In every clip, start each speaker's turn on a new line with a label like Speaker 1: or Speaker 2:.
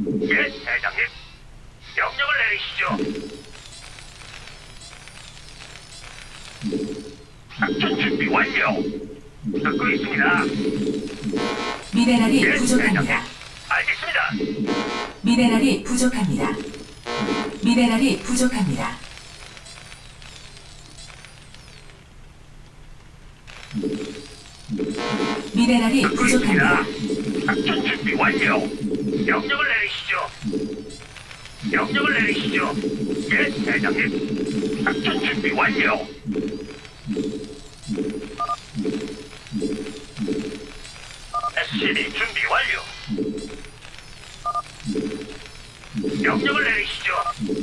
Speaker 1: 예, 대장님. 명령을 내리시죠. 작전 준비 완료. 듣고 있습니다.
Speaker 2: 미네랄이
Speaker 1: 예,
Speaker 2: 부족합니다.
Speaker 1: 대장님. 알겠습니다.
Speaker 2: 미네랄이 부족합니다. 미네랄이 부족합니다. 미네랄이
Speaker 1: 듣고
Speaker 2: 부족합니다.
Speaker 1: 있습니다. 작전 준비 완료. 명령을 내리시죠. 명령을 내리시죠. 예, 대장님. 작전 준비 완료. SCB 준비 완료. 명령을 내리시죠.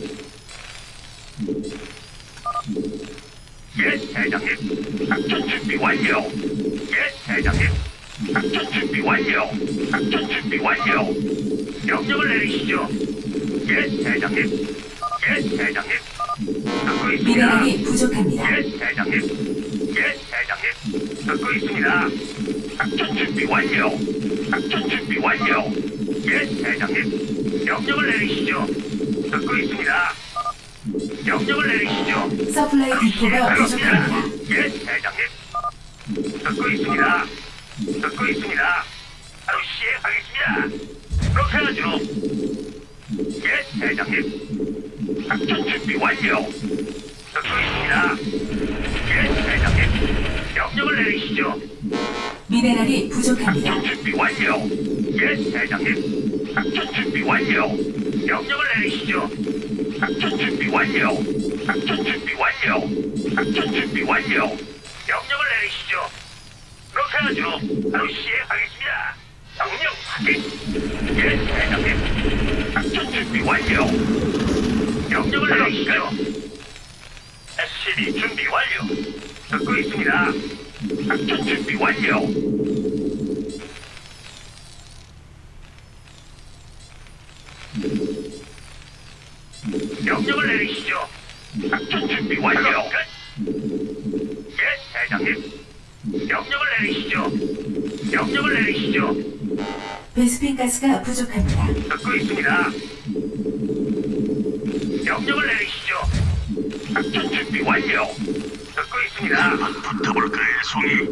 Speaker 1: 예, 대장님. 작전 준비 완료. 예, 대장님. 작전 준비 완료. 작전 준비 완료. 명령을 내리시죠. 예, 대장님. 예, 대장님. 듣고 있습니다.
Speaker 2: 미네랄이 부족합니다.
Speaker 1: 예, 대장님. 예, 대장님. 듣고 있습니다. 작전 준비 완료. 작전 준비 완료. 예, 대장님. 명령을 내리시죠. 듣고 있습니다. 명령을 내리시죠.
Speaker 2: 서플라이 디포가 부족합니다.
Speaker 1: 예, 대장님. 듣고 있습니다. 듣고 있습니다. 바로 시행하겠습니다. 그렇게 하죠. 예, 대장님. 작전 준비 완료. 듣고 있습니다. 예, 대장님. 명령을 내리시죠.
Speaker 2: 미네랄이 부족합니다.
Speaker 1: 작전 준비 완료. 예, 대장님. 작전 준비 완료. 명령을 내리시죠. 작전 준비 완료. 작전 준비 완료. 작전 준비 완료. 명령을 내리시죠. 그렇게 하죠. 바로 시행하겠습니다. 명령 확인. 예, 대장님. 작전 준비 완료. 명령을 내리시죠. SCB 준비 완료. 듣고 있습니다. 작전 준비 완료. 명령을 내리시죠. 작전 준비 완료. 예, 대장님. 명령을 내리시죠. 명령을 내리시죠.
Speaker 2: 베스핀 가스가 부족합니다.
Speaker 1: 듣고 있습니다. 명령을 내리시죠. 작전 준비 완료. 듣고 있습니다.
Speaker 3: 붙어볼까요, 송이?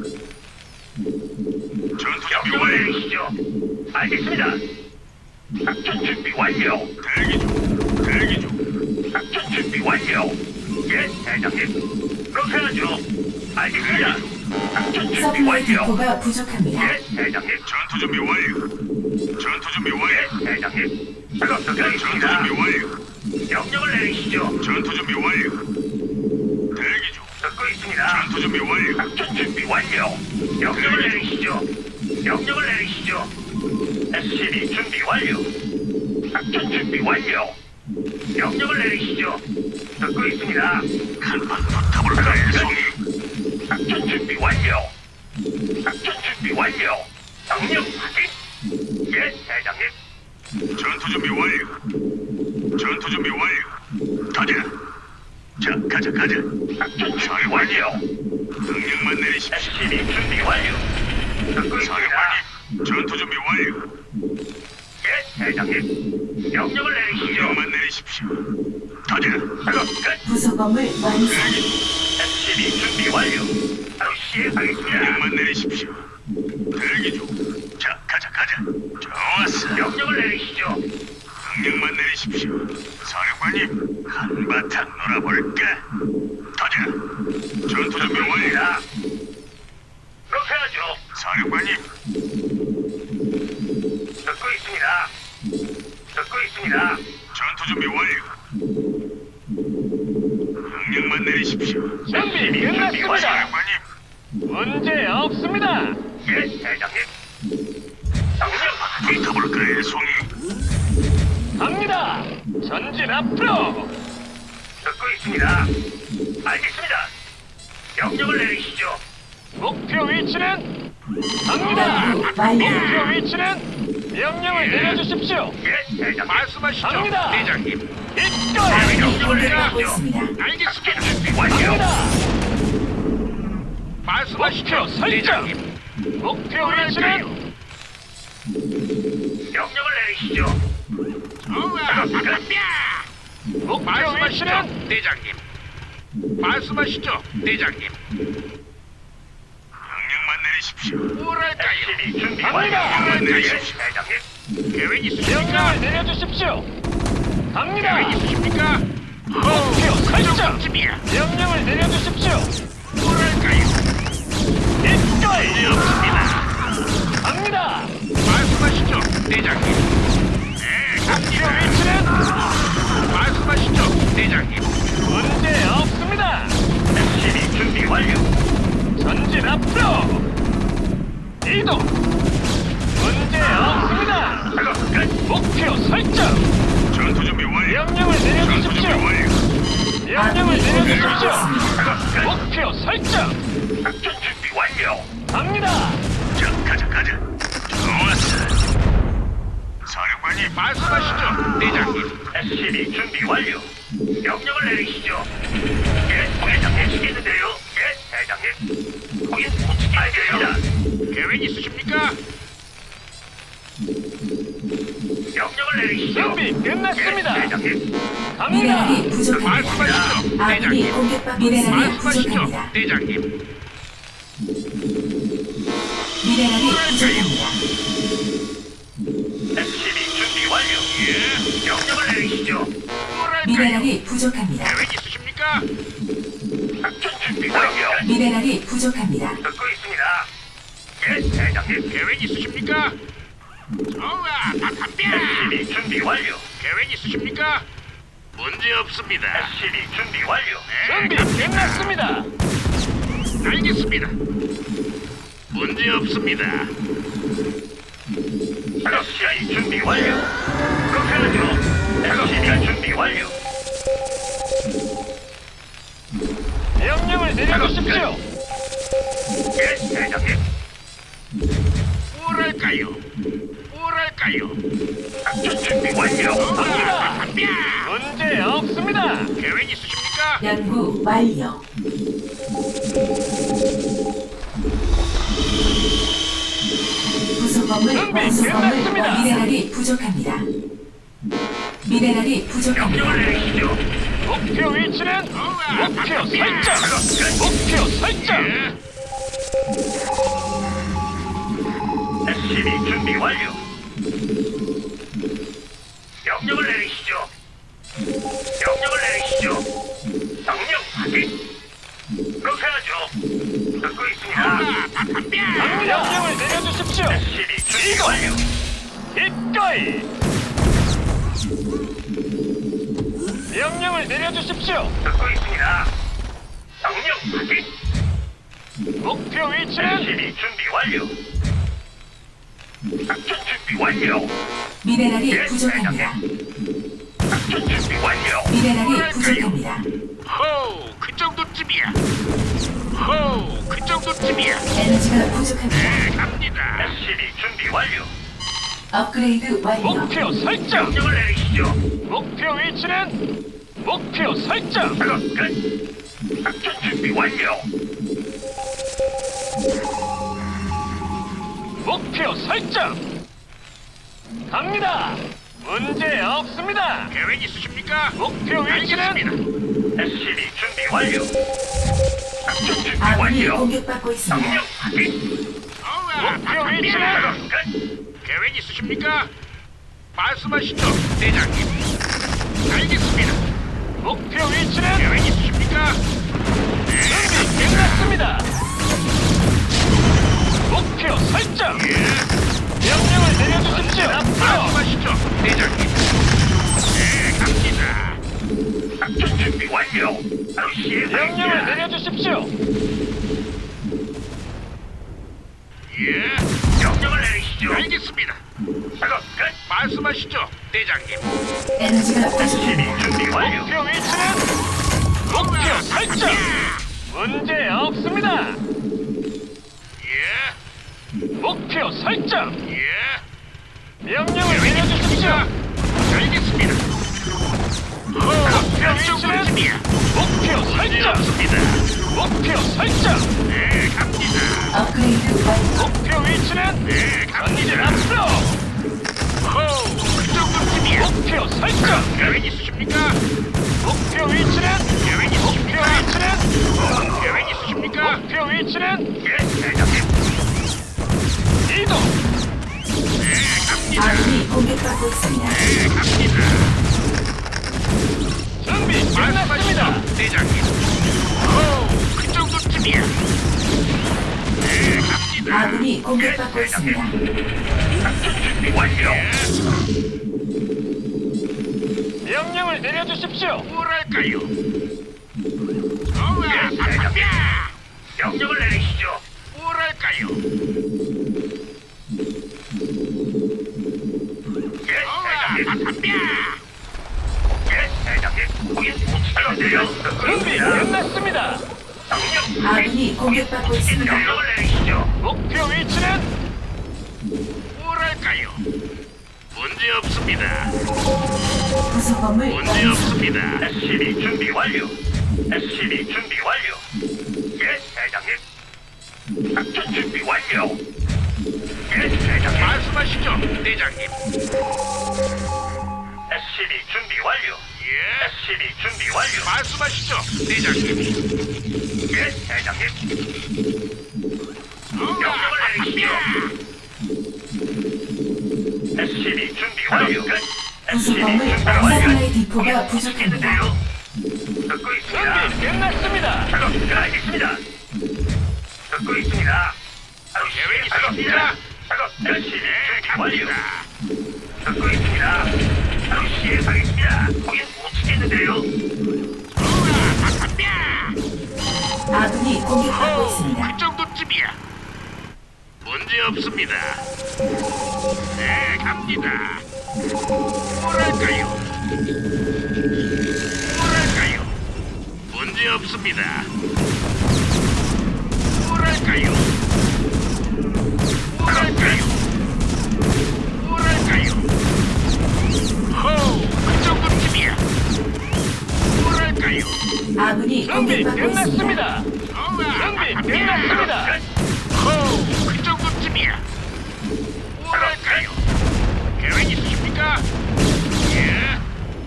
Speaker 3: 전투 준비
Speaker 1: 명령을
Speaker 3: 완료.
Speaker 1: 내리시죠. 알겠습니다. 작전 준비 완료.
Speaker 3: 대기 중. 대기 중.
Speaker 1: 작전 준비 완료. 예, 대장님. 그렇게 하죠. 알겠습니다. 작전 준비
Speaker 2: 서플라이
Speaker 1: 완료.
Speaker 2: 디포가 부족합니다.
Speaker 1: 예, 대장님.
Speaker 3: 전투 준비 완료. 전투 준비 완료.
Speaker 1: 예, 대장님. 작업
Speaker 3: 전투 준비
Speaker 1: 끝났습니다.
Speaker 3: 완료.
Speaker 1: 명령을 내리시죠.
Speaker 3: 전투 준비 완료. 대기 중.
Speaker 1: 듣고 있습니다.
Speaker 3: 전투 준비 완료.
Speaker 1: 작전 준비 완료. 명령을 내리시죠. 명령을 내리시죠. SCB 준비 완료. 작전 준비 완료. 명령을 내리시죠. 듣고 있습니다.
Speaker 3: 한판 붙어볼까요, 송이?
Speaker 1: 작전 준비 완료. 작전 준비 완료. 명령 확인. 예, 대장님.
Speaker 3: 전투 준비 완료. 전투 준비 완료. 가자. 자, 가자, 가자.
Speaker 1: 작전 준비 완료.
Speaker 3: 명령만 내리십시오.
Speaker 1: SCB 준비 완료. 듣고 있습니다.
Speaker 3: 사령관님, 전투 준비 완료.
Speaker 1: 예, 대장님. 명령을 내리시죠.
Speaker 3: 명령만 내리십시오. 가자.
Speaker 1: 작업 끝.
Speaker 2: 부속 건물 완성.
Speaker 1: SCB 준비 완료. 바로 시행하겠습니다.
Speaker 3: 명령만 내리십시오. 대기 중. 자, 가자, 가자. 좋았어.
Speaker 1: 명령을 내리시죠.
Speaker 3: 명령만 내리십시오. 사령관님, 한바탕 놀아볼까? 가자. 전투 준비 완료.
Speaker 1: 완료입니다. 그렇게 하죠.
Speaker 3: 사령관님,
Speaker 1: 듣고 있습니다. 듣고 있습니다.
Speaker 3: 전투 준비 완료. 명령만 내리십시오.
Speaker 1: 준비 끝났습니다.
Speaker 3: 사령관님,
Speaker 4: 문제 없습니다.
Speaker 1: 예, 대장님. 명령 확인.
Speaker 3: 붙어볼까요, 송이?
Speaker 4: 갑니다. 전진 앞으로.
Speaker 1: 듣고 있습니다. 알겠습니다. 명령을 내리시죠.
Speaker 4: 목표 위치는 갑니다.
Speaker 2: 완료.
Speaker 4: 목표 위치는 명령을 내려주십시오.
Speaker 1: 예, 대장님.
Speaker 3: 말씀하시죠,
Speaker 4: 갑니다.
Speaker 3: 대장님.
Speaker 4: 이끌.
Speaker 2: 아군이 공격받고 있습니다.
Speaker 1: 알겠습니다. 준비 완료.
Speaker 4: 갑니다.
Speaker 3: 말씀하시죠,
Speaker 4: 목표 설정. 목표 위치는
Speaker 1: 명령을 내리시죠.
Speaker 4: 목표
Speaker 3: 말씀하시죠,
Speaker 4: 위치는
Speaker 3: 대장님. 말씀하시죠, 대장님. 명령만 내리십시오. 뭐랄까요?
Speaker 1: SCB 준비
Speaker 4: 갑니다.
Speaker 1: 완료.
Speaker 3: 예,
Speaker 1: 대장님.
Speaker 3: 계획 있으십니까?
Speaker 4: 명령을 내려주십시오. 갑니다.
Speaker 3: 계획 있으십니까?
Speaker 4: 목표 설정.
Speaker 3: 쯤이야.
Speaker 4: 명령을 내려주십시오.
Speaker 3: 뭐랄까요?
Speaker 4: 기꺼이
Speaker 3: 문제 없습니다.
Speaker 4: 갑니다.
Speaker 3: 말씀하시죠, 대장님. 네,
Speaker 4: 목표
Speaker 3: 갑니다.
Speaker 4: 위치는
Speaker 3: 말씀하시죠, 대장님.
Speaker 4: 문제 없습니다.
Speaker 1: SCB 준비 완료.
Speaker 4: 전진 앞으로 이동. 문제 없습니다.
Speaker 1: 작업 끝.
Speaker 4: 목표 설정.
Speaker 3: 전투 준비 완료.
Speaker 4: 명령을
Speaker 3: 전투 준비
Speaker 4: 내려주십시오.
Speaker 3: 완료.
Speaker 4: 명령을 내려주십시오.
Speaker 1: 작업 끝.
Speaker 4: 목표 설정.
Speaker 1: 작전 준비 완료.
Speaker 4: 갑니다.
Speaker 3: 자, 가자. 좋았어. 사령관님, 말씀하시죠, 대장님.
Speaker 1: SCB 준비 완료. 명령을 내리시죠. 예, 대장님 시키는데요. 예, 대장님. 거긴 못 알겠습니다.
Speaker 3: 계획 있으십니까?
Speaker 1: 명령을 내리시죠.
Speaker 4: 준비 끝났습니다.
Speaker 1: 예, 대장님.
Speaker 4: 갑니다.
Speaker 2: 미네랄이 부족합니다.
Speaker 3: 말씀하시죠,
Speaker 2: 아군이
Speaker 3: 대장님.
Speaker 2: 공격받고 미네랄이
Speaker 3: 말씀하시죠,
Speaker 2: 부족합니다.
Speaker 3: 대장님.
Speaker 2: 미네랄이 부족합니다.
Speaker 1: SCB 준비 완료.
Speaker 3: 예,
Speaker 1: 명령을 내리시죠.
Speaker 3: 뭐랄까요?
Speaker 2: 미네랄이 부족합니다.
Speaker 3: 계획 있으십니까?
Speaker 1: 작전 준비 완료.
Speaker 2: 미네랄이 부족합니다.
Speaker 1: 듣고 있습니다. 예, 대장님.
Speaker 3: 계획 있으십니까? 좋아, 다 담배.
Speaker 1: SCB 준비 완료.
Speaker 3: 계획 있으십니까? 문제 없습니다.
Speaker 1: SCB 준비 완료.
Speaker 3: 네,
Speaker 4: 준비 끝났습니다.
Speaker 3: 알겠습니다. 문제 없습니다.
Speaker 1: SCB 준비 완료. 그렇게 하죠. SCB 준비 완료.
Speaker 4: 명령을 내려주십시오.
Speaker 1: 예, 대장님.
Speaker 3: 뭐랄까요? 뭐랄까요?
Speaker 1: 작전 준비 완료.
Speaker 3: 좋아, 담배.
Speaker 4: 문제 없습니다.
Speaker 3: 계획 있으십니까?
Speaker 2: 연구 완료. 부속건물
Speaker 4: 준비
Speaker 2: 완수건물
Speaker 4: 끝났습니다.
Speaker 2: 미네랄이 부족합니다. 미네랄이 부족합니다.
Speaker 1: 명령을 내리시죠.
Speaker 4: 목표 위치는 목표 설정.
Speaker 1: 작업 끝.
Speaker 4: 목표 설정.
Speaker 3: 예,
Speaker 1: SCB 준비 완료. 명령을 내리시죠. 명령을 내리시죠. 명령 확인. 그렇게 하죠. 듣고 있습니다.
Speaker 3: 좋아, 다 담배.
Speaker 4: 명령을 내려주십시오.
Speaker 1: SCB 준비
Speaker 4: 이동.
Speaker 1: 완료.
Speaker 4: 기꺼이. 명령을 내려주십시오.
Speaker 1: 듣고 있습니다. 명령 확인.
Speaker 4: 목표 위치는
Speaker 1: SCB 준비 완료. 작전 준비 완료.
Speaker 2: 미네랄이 부족합니다.
Speaker 1: 작전 준비 완료.
Speaker 2: 미네랄이 부족합니다.
Speaker 3: 호우, 그 정도쯤이야. 호우, 그 정도쯤이야.
Speaker 2: 에너지가 부족합니다.
Speaker 3: 네, 갑니다.
Speaker 1: SCB 준비 완료.
Speaker 2: 업그레이드 완료.
Speaker 4: 목표 설정.
Speaker 1: 명령을 내리시죠.
Speaker 4: 목표 위치는 목표 설정.
Speaker 1: 작업 끝. 작전 준비 완료.
Speaker 4: 목표 설정. 갑니다. 문제 없습니다.
Speaker 3: 계획 있으십니까?
Speaker 4: 목표 위치는
Speaker 3: 알겠습니다.
Speaker 1: SCB 준비 완료. 작전 준비
Speaker 2: 아군이
Speaker 1: 완료.
Speaker 2: 공격받고 있습니다.
Speaker 1: 명령 확인.
Speaker 3: 좋아, 다
Speaker 4: 목표
Speaker 3: 담배.
Speaker 4: 위치는
Speaker 1: 작업 끝.
Speaker 3: 계획 있으십니까? 말씀하시죠, 대장님. 알겠습니다.
Speaker 4: 목표 위치는
Speaker 3: 계획 있으십니까?
Speaker 4: 준비 끝났습니다. 목표 설정.
Speaker 3: 예,
Speaker 4: 명령을 내려주십시오. 앞으로.
Speaker 3: 말씀하시죠, 대장님. 네, 갑니다.
Speaker 1: 작전 준비 완료. 바로
Speaker 4: 명령을
Speaker 1: 시행하겠습니다.
Speaker 4: 내려주십시오.
Speaker 3: 예,
Speaker 1: 명령을 내리시죠.
Speaker 3: 알겠습니다.
Speaker 1: 작업 끝.
Speaker 3: 말씀하시죠, 대장님.
Speaker 2: 에너지가 부족합니다.
Speaker 1: SCB 준비 완료.
Speaker 4: 목표 위치는 목표 설정. 문제 없습니다.
Speaker 3: 예,
Speaker 4: 목표 설정.
Speaker 3: 예.
Speaker 4: 명령을 내려주십시오.
Speaker 3: 알겠습니다.
Speaker 4: 목표
Speaker 3: 몇
Speaker 4: 위치는
Speaker 3: 정도쯤이야?
Speaker 4: 목표 설정.
Speaker 3: 없습니다.
Speaker 4: 목표 설정.
Speaker 3: 네, 갑니다.
Speaker 2: 업그레이드 완료.
Speaker 4: 목표 위치는
Speaker 3: 네,
Speaker 4: 전진
Speaker 3: 갑니다.
Speaker 4: 앞으로.
Speaker 3: 호우, 그 정도쯤이야.
Speaker 4: 목표 설정.
Speaker 3: 계획 있으십니까?
Speaker 4: 목표 위치는
Speaker 3: 계획
Speaker 4: 목표
Speaker 3: 있으십니까?
Speaker 4: 위치는
Speaker 3: 계획 있으십니까?
Speaker 4: 목표 위치는
Speaker 1: 예, 대장님.
Speaker 4: 이동.
Speaker 2: 아군이 공격받고 있습니다.
Speaker 4: 준비 끝났습니다.
Speaker 3: 말씀하시죠, 대장님. 호우, 그 정도쯤이야. 네, 갑니다.
Speaker 2: 아군이 공격받고 있습니다.
Speaker 1: 작전 준비 완료.
Speaker 4: 명령을 내려주십시오.
Speaker 3: 뭐랄까요?
Speaker 1: 예, 대장님. 명령을 내리시죠.
Speaker 3: 뭐랄까요?
Speaker 1: 예, 대장님. 예, 대장님. 거긴 못하는데요.
Speaker 4: 준비 끝났습니다.
Speaker 1: 명령.
Speaker 2: 아군이 공격받고 있습니다.
Speaker 1: 명령을 내리시죠.
Speaker 4: 목표 위치는
Speaker 3: 뭐랄까요? 문제 없습니다.
Speaker 2: 부속 건물
Speaker 3: 문제
Speaker 2: 완성.
Speaker 3: 없습니다.
Speaker 1: SCB 준비 완료. SCB 준비 완료. 예, 대장님. 작전 준비 완료. 예, 대장님.
Speaker 3: 말씀하시죠, 대장님.
Speaker 1: SCB 준비 완료.
Speaker 3: 예,
Speaker 1: SCB 준비 완료.
Speaker 3: 말씀하시죠, 대장님.
Speaker 1: 예, 대장님. 명령을 내리시죠. SCB 준비 완료. 끝.
Speaker 2: 부속
Speaker 1: SCB
Speaker 2: 건물
Speaker 1: 준비
Speaker 2: 완성의 디포가 부족합니다.
Speaker 1: 있는데요. 듣고 있습니다.
Speaker 4: 준비 끝났습니다.
Speaker 1: 작업 끝나겠습니다. 듣고 있습니다. 바로
Speaker 3: 계획
Speaker 1: 시행하겠습니다. 작업 SCB 준비 완료. 듣고 있습니다. 바로 시행하겠습니다. 거긴 못 치겠는데요.
Speaker 2: 아군이 공격받고 있습니다.
Speaker 3: 그 정도쯤이야. 문제 없습니다. 네, 갑니다. 뭐랄까요? 뭐랄까요? 문제 없습니다. 뭐랄까요? 뭐랄까요? 뭐랄까요? 호우, 그 정도쯤이야. 뭐랄까요?
Speaker 2: 아군이
Speaker 4: 준비
Speaker 2: 공격받고 있습니다.
Speaker 4: 끝났습니다. 준비 끝났습니다.
Speaker 3: 호우, 그 정도쯤이야. 뭐랄까요? 계획 있으십니까? 예.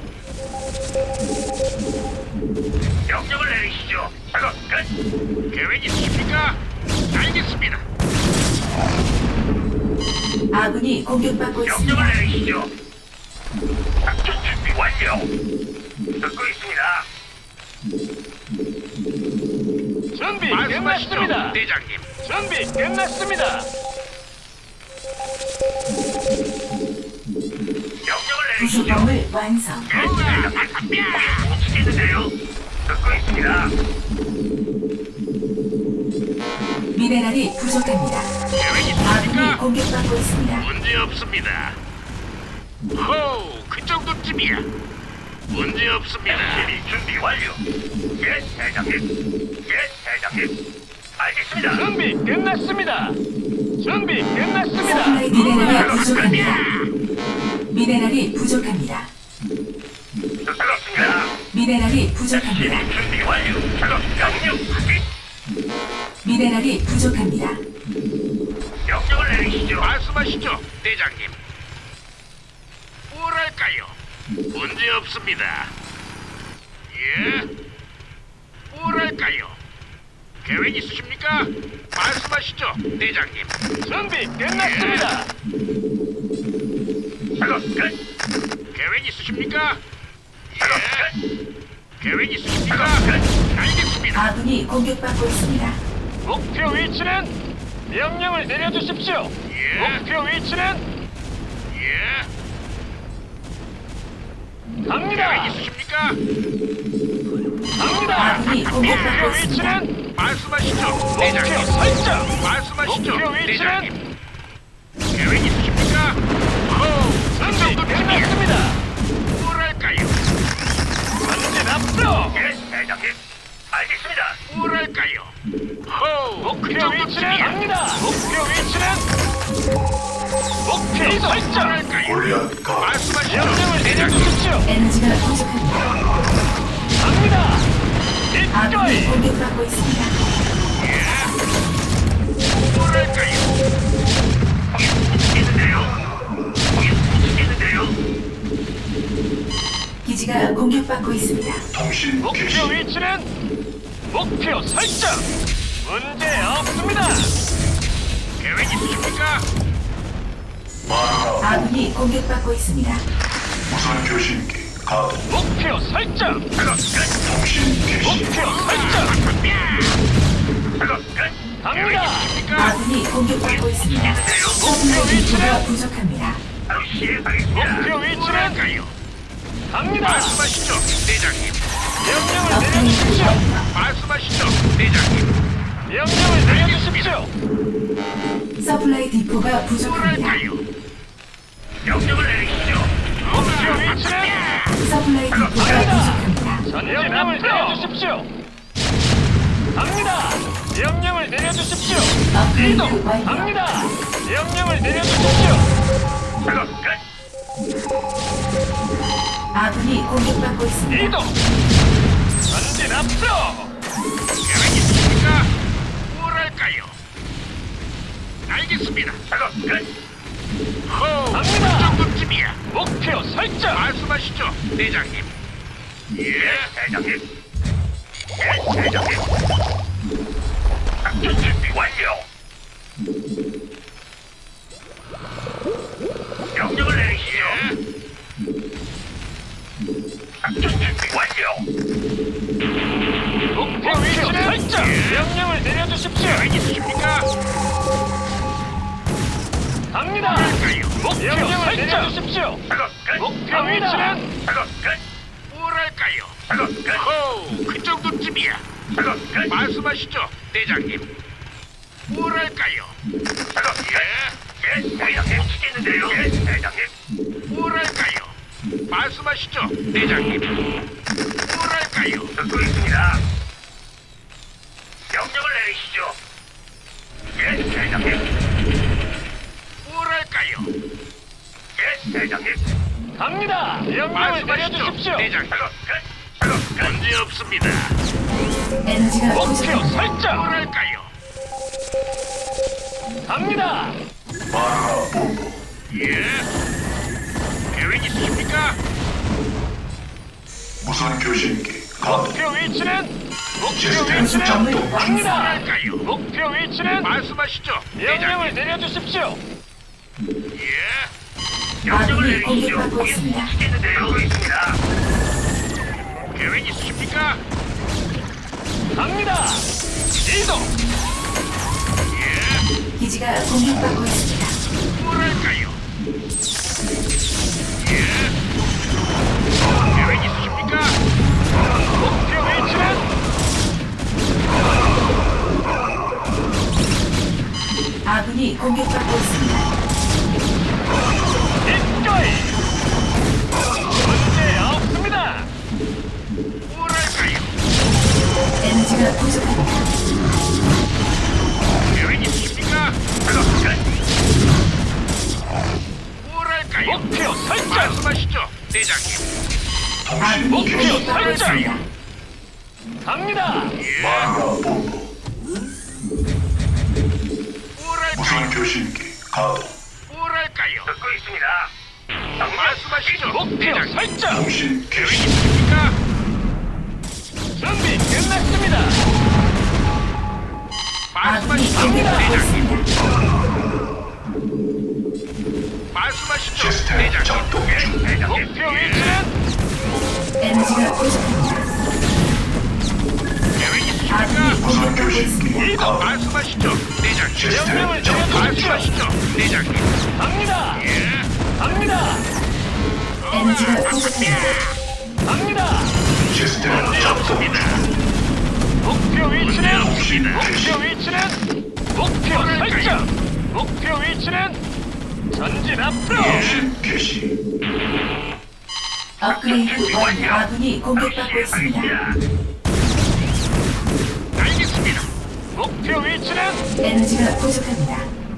Speaker 1: 명령을 내리시죠. 작업 끝.
Speaker 3: 계획 있으십니까? 알겠습니다.
Speaker 2: 아군이 공격받고 있습니다.
Speaker 1: 명령을 내리시죠. 작전 준비 완료. 듣고 있습니다.
Speaker 4: 준비
Speaker 3: 말씀하시죠,
Speaker 4: 끝났습니다.
Speaker 3: 대장님.
Speaker 4: 준비 끝났습니다.
Speaker 1: 명령을
Speaker 2: 부속
Speaker 1: 내리시죠.
Speaker 2: 건물 완성.
Speaker 1: 못 치겠는데요. 듣고 있습니다.
Speaker 2: 미네랄이 부족합니다.
Speaker 3: 계획
Speaker 2: 아군이
Speaker 3: 있으십니까?
Speaker 2: 공격받고 있습니다.
Speaker 3: 문제 없습니다. 호우, 그 정도쯤이야. 문제 없습니다.
Speaker 1: SCB 준비 완료. 예, 대장님. 예, 대장님. 알겠습니다.
Speaker 4: 준비 끝났습니다. 준비 끝났습니다.
Speaker 2: 서플라이 미네랄이 부족합니다. 미네랄이 부족합니다.
Speaker 1: 듣고 있습니다.
Speaker 2: 미네랄이 부족합니다.
Speaker 1: SCB 준비 완료. 작업 명령 확인.
Speaker 2: 미네랄이 부족합니다.
Speaker 1: 명령을 내리시죠.
Speaker 3: 말씀하시죠, 대장님. 뭐랄까요? 문제 없습니다. 예? 뭐랄까요? 계획 있으십니까? 말씀하시죠, 대장님.
Speaker 4: 준비 끝났습니다.
Speaker 1: 작업 끝.
Speaker 3: 계획 있으십니까?
Speaker 1: 작업
Speaker 3: 예?
Speaker 1: 끝.
Speaker 3: 계획 있으십니까?
Speaker 1: 작업 끝.
Speaker 3: 알겠습니다.
Speaker 2: 아군이 공격받고 있습니다.
Speaker 4: 목표 위치는 명령을 내려주십시오.
Speaker 3: 예?
Speaker 4: 목표 위치는
Speaker 3: 예?
Speaker 4: 갑니다.
Speaker 3: 계획 있으십니까?
Speaker 4: 갑니다.
Speaker 2: 아군이 공격받고
Speaker 4: 목표
Speaker 2: 있습니다.
Speaker 4: 위치는
Speaker 3: 말씀하시죠,
Speaker 4: 목표
Speaker 3: 대장님.
Speaker 4: 설정.
Speaker 3: 말씀하시죠,
Speaker 4: 목표 위치는
Speaker 3: 대장님. 계획 있으십니까? 호우, 그
Speaker 4: 준비
Speaker 3: 정도쯤이야.
Speaker 4: 끝났습니다.
Speaker 3: 뭐랄까요?
Speaker 4: 전진 앞으로.
Speaker 1: 예, 대장님. 알겠습니다.
Speaker 3: 뭐랄까요? 호우,
Speaker 4: 목표
Speaker 3: 그
Speaker 4: 위치는
Speaker 3: 정도쯤이야.
Speaker 4: 갑니다. 목표 위치는 목표 설정.
Speaker 3: 뭐랄까요? 말씀하시죠,
Speaker 4: 명령을
Speaker 3: 대장님.
Speaker 4: 내려주십시오.
Speaker 2: 에너지가 부족합니다.
Speaker 4: 갑니다.
Speaker 2: 아군이
Speaker 4: 기꺼이.
Speaker 2: 공격받고 있습니다.
Speaker 3: 뭐랄까요?
Speaker 1: 거긴 못 치겠는데요. 거긴 못 치겠는데요.
Speaker 2: 기지가 공격받고 있습니다.
Speaker 3: 통신
Speaker 4: 목표
Speaker 3: 개시.
Speaker 4: 위치는 목표 설정. 문제 없습니다. 계획 있으십니까?
Speaker 2: 아군이 공격받고 있습니다.
Speaker 3: 무선 교신기 가동.
Speaker 4: 목표 설정.
Speaker 3: 통신 개시.
Speaker 4: 목표 설정. 갑니다.
Speaker 2: 아군이 공격받고 있습니다. 서플라이 디포가 부족합니다.
Speaker 1: 바로 시행하겠습니다.
Speaker 4: 목표 위치는 갑니다.
Speaker 3: 말씀하시죠, 대장님.
Speaker 4: 명령을
Speaker 2: 업그레이드
Speaker 4: 내려주십시오.
Speaker 2: 완료.
Speaker 3: 말씀하시죠, 대장님.
Speaker 4: 명령을 내려주십시오.
Speaker 2: 서플라이 디포가 부족합니다.
Speaker 3: 뭐랄까요?
Speaker 1: 명령을 내리시죠.
Speaker 4: 목표 위치는
Speaker 2: 서플라이 디포가 부족합니다.
Speaker 4: 명령을 내려주십시오. 갑니다. 명령을 내려주십시오.
Speaker 2: 업그레이드
Speaker 4: 이동.
Speaker 2: 완료.
Speaker 4: 갑니다. 명령을 내려주십시오.
Speaker 1: 작업 끝.
Speaker 2: 아군이 공격받고 있습니다.
Speaker 4: 이동. 전진 앞으로.
Speaker 3: 계획 있으십니까? 뭐랄까요? 알겠습니다.
Speaker 1: 작업 끝.
Speaker 3: 호,
Speaker 4: 갑니다.
Speaker 3: 그 정도쯤이야.
Speaker 4: 목표 설정.
Speaker 3: 말씀하시죠, 대장님. 예,
Speaker 1: 대장님. 예, 대장님. 작전 준비 완료. 명령을 내리시죠. 작전 준비 완료.
Speaker 4: 목표 위치는 설정. 명령을 내려주십시오.
Speaker 3: 계획 있으십니까?
Speaker 4: 갑니다. 목표 명령을 내려주십시오.
Speaker 1: 작업 끝.
Speaker 4: 목표 위치는
Speaker 1: 작업 끝.
Speaker 3: 뭐랄까요?
Speaker 1: 작업 끝.
Speaker 3: 호, 그 정도쯤이야.
Speaker 1: 작업 끝.
Speaker 3: 말씀하시죠, 대장님. 뭐랄까요?
Speaker 1: 작업 끝. 예, 대장님. 시키는데요. 예, 대장님.
Speaker 3: 뭐랄까요? 말씀하시죠, 대장님. 뭐랄까요?
Speaker 1: 듣고 있습니다. 명령을 내리시죠. 예, 대장님.
Speaker 3: 뭐랄까요?
Speaker 1: 예, 대장님.
Speaker 4: 갑니다. 명령을
Speaker 3: 말씀하시죠,
Speaker 4: 내려주십시오.
Speaker 3: 대장님.
Speaker 1: 작업 끝. 작업 끝.
Speaker 3: 문제 없습니다.
Speaker 2: 에너지가
Speaker 4: 목표
Speaker 2: 부족합니다.
Speaker 4: 설정.
Speaker 3: 뭐랄까요?
Speaker 4: 갑니다.
Speaker 3: 예? 계획 있으십니까?
Speaker 5: 무선 교신기 가동.
Speaker 4: 목표 위치는 목표
Speaker 5: 시스템
Speaker 4: 위치는
Speaker 5: 작동.
Speaker 4: 갑니다.
Speaker 3: 뭐랄까요?
Speaker 4: 목표 위치는
Speaker 3: 말씀하시죠,
Speaker 4: 명령을
Speaker 3: 대장님.
Speaker 4: 내려주십시오.
Speaker 3: 예?
Speaker 1: 명령을
Speaker 2: 아군이
Speaker 1: 내리시죠.
Speaker 2: 공격받고 있습니다.
Speaker 1: 시키는데요. 듣고 있습니다.
Speaker 3: 계획 있으십니까?
Speaker 4: 갑니다. 이동.
Speaker 3: 예?
Speaker 2: 기지가 공격받고 있습니다.
Speaker 3: 뭐랄까요? 예? 계획 있으십니까?
Speaker 4: 목표 위치는
Speaker 2: 아군이 공격받고 있습니다.
Speaker 4: 기꺼이. 문제 없습니다.
Speaker 3: 뭐랄까요?
Speaker 2: 에너지가 부족합니다.
Speaker 3: 계획 있으십니까?
Speaker 1: 작업 끝.
Speaker 3: 뭐랄까요?
Speaker 4: 목표 설정.
Speaker 3: 말씀하시죠, 대장님.
Speaker 2: 아군이
Speaker 4: 목표
Speaker 2: 공격받고
Speaker 4: 설정.
Speaker 2: 있습니다.
Speaker 4: 갑니다.
Speaker 3: 뭐랄까요?
Speaker 5: 무선 교신기 가동.
Speaker 3: 뭐랄까요?
Speaker 1: 듣고 있습니다.
Speaker 3: 말씀하시죠,
Speaker 4: 목표
Speaker 3: 대장님.
Speaker 4: 설정.
Speaker 5: 통신
Speaker 3: 계획
Speaker 5: 개시.
Speaker 3: 있으십니까?
Speaker 4: 준비 끝났습니다.
Speaker 2: 아군이
Speaker 3: 말씀하시죠,
Speaker 2: 공격받고
Speaker 3: 대장님.
Speaker 2: 있습니다.
Speaker 3: 말씀하시죠,
Speaker 5: 시스템
Speaker 3: 대장님.
Speaker 5: 작동 중.
Speaker 1: 대장님.
Speaker 4: 목표 위치는
Speaker 2: 에너지가 부족합니다.
Speaker 3: 계획 있으십니까?
Speaker 2: 아군이
Speaker 5: 무선
Speaker 2: 공격받고
Speaker 5: 교신기
Speaker 2: 있습니다.
Speaker 5: 가동.
Speaker 3: 말씀하시죠, 대장님.
Speaker 5: 시스템
Speaker 4: 명령을
Speaker 5: 작동 중.
Speaker 3: 말씀하시죠, 대장님.
Speaker 4: 갑니다.
Speaker 3: 예?
Speaker 4: 갑니다.
Speaker 2: 에너지가 부족합니다.
Speaker 4: 갑니다.
Speaker 5: 시스템 작동 중.
Speaker 4: 목표 위치는
Speaker 5: 통신 개시.
Speaker 4: 목표 위치는 목표 설정. 목표 위치는 전진 앞으로.
Speaker 5: 통신 개시.
Speaker 2: 업그레이드 완료. 아군이 공격받고 있습니다.
Speaker 3: 알겠습니다.
Speaker 4: 목표 위치는
Speaker 2: 에너지가 부족합니다.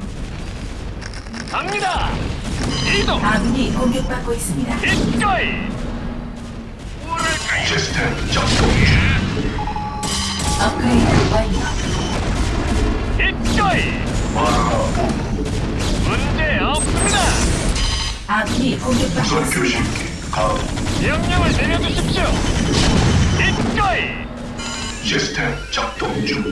Speaker 4: 갑니다. 이동.
Speaker 2: 아군이 공격받고 있습니다.
Speaker 4: 기꺼이.
Speaker 3: 뭐랄까요?
Speaker 5: 시스템 작동 중.
Speaker 2: 업그레이드 완료.
Speaker 4: 기꺼이. 문제 없습니다.
Speaker 2: 아군이 공격받고
Speaker 5: 무선
Speaker 2: 있습니다.
Speaker 5: 교신기 가동.
Speaker 4: 명령을 내려주십시오. 기꺼이.
Speaker 5: 시스템 작동 중.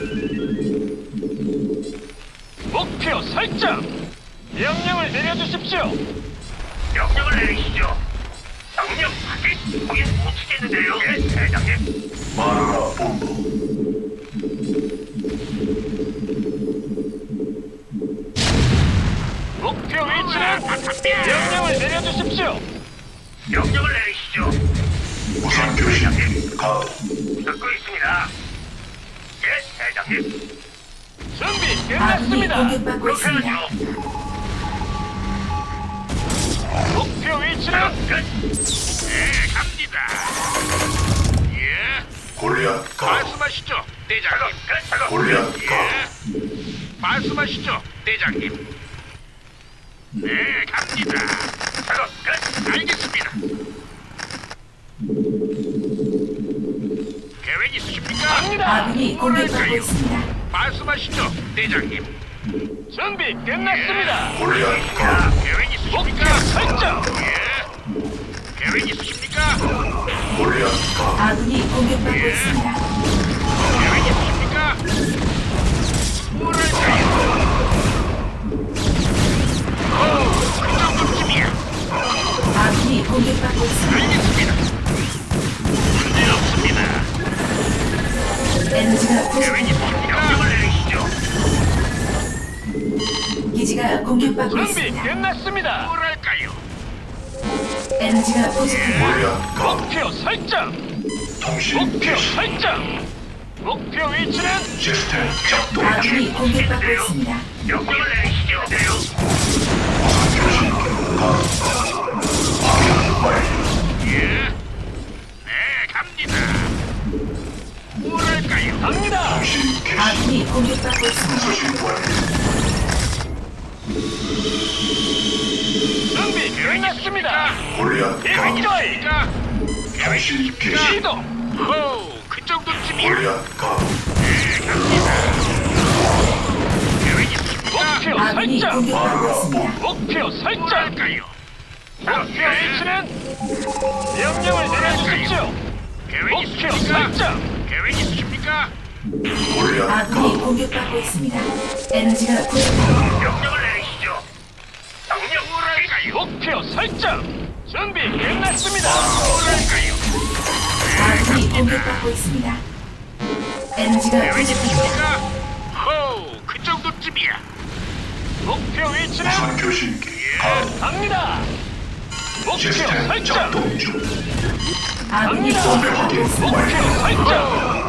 Speaker 4: 목표 설정. 명령을 내려주십시오.
Speaker 1: 명령을 내리시죠. 명령 확인. 거긴 못 치겠는데요. 예, 대장님.
Speaker 5: 마누라 본부.
Speaker 4: 목표 위치는 명령을 내려주십시오.
Speaker 1: 명령을 내리시죠.
Speaker 5: 무선 교신기 가동.
Speaker 1: 듣고 있습니다. 예, 대장님.
Speaker 4: 준비
Speaker 2: 아군이
Speaker 4: 끝났습니다.
Speaker 2: 공격받고
Speaker 1: 그렇게
Speaker 2: 있습니다.
Speaker 1: 하죠.
Speaker 4: 목표 위치는
Speaker 1: 네, 갑니다. 예,
Speaker 5: 골리앗 가동.
Speaker 1: 말씀하시죠, 대장님.
Speaker 5: 골리앗 가동.
Speaker 1: 예, 말씀하시죠, 대장님. 네, 갑니다. 작업 끝. 알겠습니다. 계획 있으십니까?
Speaker 4: 갑니다.
Speaker 2: 아군이 공격받고 있습니다.
Speaker 1: 말씀하시죠, 대장님.
Speaker 4: 준비 끝났습니다.
Speaker 5: 골리앗 가동.
Speaker 1: 자, 계획 있으십니까?
Speaker 4: 목표 설정.
Speaker 1: 예. 계획 있으십니까?
Speaker 5: 골리앗 가동.
Speaker 2: 아군이 공격받고 있습니다.
Speaker 1: 계획 있으십니까? 뭐랄까요? 그 정도쯤이야.
Speaker 2: 아군이 공격받고 있습니다.
Speaker 1: 알겠습니다. 문제 없습니다.
Speaker 2: 에너지가
Speaker 1: 계획
Speaker 2: 부족합니다.
Speaker 1: 있으십니까? 명령을 내리시죠.
Speaker 2: 기지가 공격받고
Speaker 4: 준비
Speaker 2: 있습니다.
Speaker 4: 끝났습니다.
Speaker 1: 뭐랄까요?
Speaker 2: 에너지가 부족합니다.
Speaker 5: 골리앗 가동.
Speaker 4: 목표 설정.
Speaker 5: 통신
Speaker 4: 목표
Speaker 5: 개시.
Speaker 4: 설정. 목표 위치는
Speaker 5: 시스템 작동 중.
Speaker 2: 아군이 공격받고 있습니다.
Speaker 1: 명령을 내리시죠. 네요.
Speaker 5: 무선 교신기 가동. 확인 완료.
Speaker 1: 예. 네, 갑니다. 뭐랄까요?
Speaker 4: 갑니다.
Speaker 5: 통신 개시.
Speaker 2: 아군이 공격받고 있습니다.
Speaker 5: 수신 완료.
Speaker 4: 준비 끝났습니다.
Speaker 5: 골리앗 가동.
Speaker 4: 기꺼이.
Speaker 5: 통신 개시.
Speaker 4: 이동.
Speaker 1: 호, 그 정도쯤이야.
Speaker 5: 골리앗 가동.
Speaker 1: 계획 있으십니까?
Speaker 4: 목표
Speaker 2: 아군이
Speaker 4: 설정.
Speaker 2: 공격받고 있습니다.
Speaker 4: 목표 설정.
Speaker 1: 뭐랄까요?
Speaker 4: 목표 위치는 명령을 내려주십시오.
Speaker 1: 계획
Speaker 4: 목표
Speaker 1: 있으십니까?
Speaker 4: 설정.
Speaker 1: 계획 있으십니까?
Speaker 5: 골리앗
Speaker 2: 아군이
Speaker 5: 가동.
Speaker 2: 공격받고 있습니다. 에너지가 부족합니다.
Speaker 1: 명령을 내리시죠. 명령 뭐랄까요?
Speaker 4: 목표 설정. 준비 끝났습니다.
Speaker 1: 뭐랄까요?
Speaker 2: 아군이 공격받고 있습니다. 에너지가
Speaker 1: 계획
Speaker 2: 부족합니다.
Speaker 1: 있으십니까? 호, 그 정도쯤이야.
Speaker 4: 목표 위치는
Speaker 5: 무선 교신기 가동.
Speaker 4: 갑니다. 목표
Speaker 5: 시스템
Speaker 4: 설정.
Speaker 5: 작동 중.
Speaker 2: 아군이
Speaker 4: 갑니다.
Speaker 2: 공격받고 있습니다.
Speaker 4: 목표 설정.